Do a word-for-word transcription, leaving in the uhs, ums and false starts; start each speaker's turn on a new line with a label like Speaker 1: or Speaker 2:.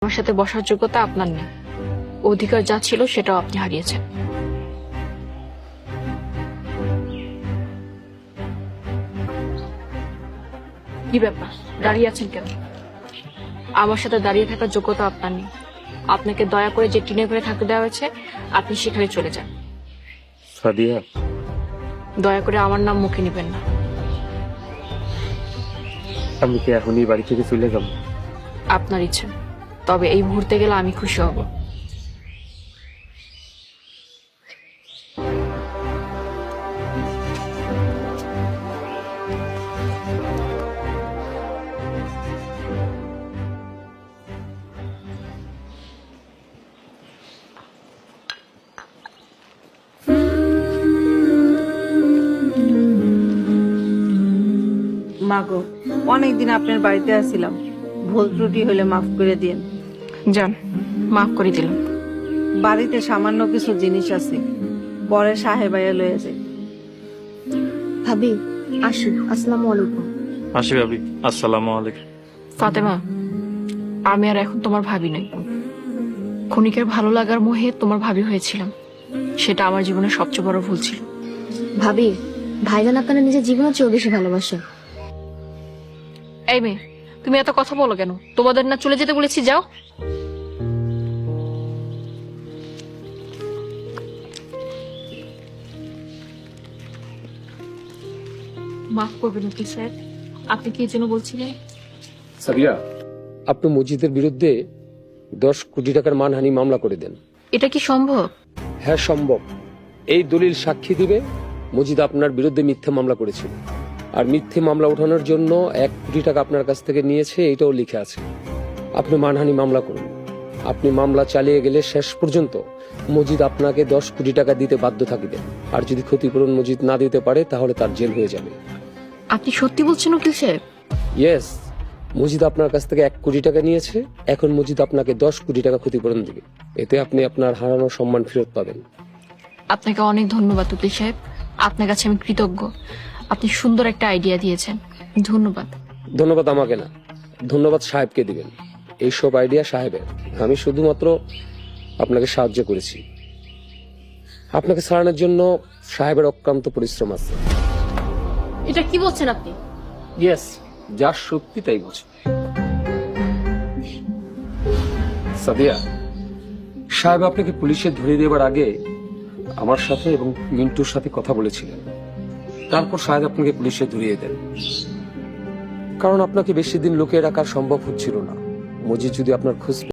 Speaker 1: আমার সাথে বসার যোগ্যতা আপনার নেই, অধিকার যা ছিল সেটাও আপনি হারিয়েছেন। কি ব্যাপার, দাঁড়িয়ে আছেন কেন? আমার সাথে দাঁড়িয়ে থাকার যোগ্যতা আপনার নেই। আপনাকে দয়া করে যে টিনে ঘরে থাকতে দেওয়া হয়েছে আপনি সেখানে চলে যান।
Speaker 2: সাদিয়া,
Speaker 1: দয়া করে আমার নাম মুখে নেবেন না।
Speaker 2: আমি কি এখনই বাড়ি থেকে চলে যাব?
Speaker 1: আপনার ইচ্ছে, তবে এই মুহূর্তে গেলে আমি খুশি হব।
Speaker 3: মাগো, অনেকদিন আপনার বাড়িতে আসছিলাম, ভুল ত্রুটি হলে মাফ করে দিন।
Speaker 1: যান, মাফ করে দিলাম।
Speaker 3: বাড়িতে সামান্য কিছু জিনিস আছে, পরে সাহেবাইয়া লয়ে যাই।
Speaker 4: ভাবি আসি, আসসালামু আলাইকুম।
Speaker 2: আসি ভাবি, আসসালামু আলাইকুম।
Speaker 1: ফাতেমা, আমি আর এখন তোমার ভাবি নই। ক্ষণিকের ভালো লাগার মোহে তোমার ভাবি হয়েছিলাম, সেটা আমার জীবনের সবচেয়ে বড় ভুল ছিল।
Speaker 4: ভাবি, ভাইজান আপনারা নিজের জীবনের চেয়েও বেশি ভালোবাসে।
Speaker 1: এই মেয়ে, তুমি এত কথা বলো কেন? তোমাদের না চলে যেতে বলেছি, যাও। মাফ করবেন কি স্যার, আপনি কি যেন বলছিলেন?
Speaker 5: সাবিয়া, আপনি মসজিদের বিরুদ্ধে দশ কোটি টাকার মানহানি মামলা করে দেন।
Speaker 1: এটা কি সম্ভব?
Speaker 5: হ্যাঁ সম্ভব। এই দলিল সাক্ষী দিবে মসজিদ আপনার বিরুদ্ধে মিথ্যা মামলা করেছিল, আর মিথ্যে মামলা ওঠানোর জন্য এক কোটি টাকা আপনার কাছ থেকে নিয়েছে, এটাও লিখে আছে। আপনি মানহানি মামলা করুন। আপনি মামলা চালিয়ে গেলে শেষ পর্যন্ত মসজিদ আপনাকে দশ কোটি টাকা দিতে বাধ্য থাকবে, আর যদি ক্ষতিপূরণ মসজিদ না দিতে পারে তাহলে তার জেল হয়ে যাবে।
Speaker 1: আপনি সত্যি বলছেন উকিল সাহেব?
Speaker 5: ইয়েস, মসজিদ আপনার কাছ থেকে এক কোটি টাকা নিয়েছে, এখন মসজিদ আপনাকে দশ কোটি টাকা ক্ষতিপূরণ দিবে। এতে আপনি আপনার হারানো সম্মান ফেরত পাবেন।
Speaker 1: আপনাকে অনেক ধন্যবাদ উকিল সাহেব, আপনার কাছে আমি কৃতজ্ঞ। আপনি সুন্দর একটা আইডিয়া দিয়েছেন, ধন্যবাদ।
Speaker 5: ধন্যবাদ আমাকে না, ধন্যবাদ সাহেবকে দিবেন। এইসব আইডিয়া সাহেবের, আমি শুধুমাত্র আপনাকে সাহায্য করেছি। আপনাকে ছাড়ানোর জন্য সাহেবের অক্লান্ত পরিশ্রম আছে।
Speaker 1: এটা কি বলছেন আপনি?
Speaker 5: ইয়েস, যা সত্যি তাই বলছি। সাদিয়া, সাহেব আপনাকে পুলিশে ধরে দেবার আগে আমার সাথে এবং মিন্টুর সাথে কথা বলেছিলেন। তারপর সাহেব আপনাকে পুলিশে ধরিয়ে দেন, কারণ আপনাকে বেশি দিন লুকিয়ে রাখা সম্ভব হচ্ছিল না। মজিদ যদি আপনার খোঁজ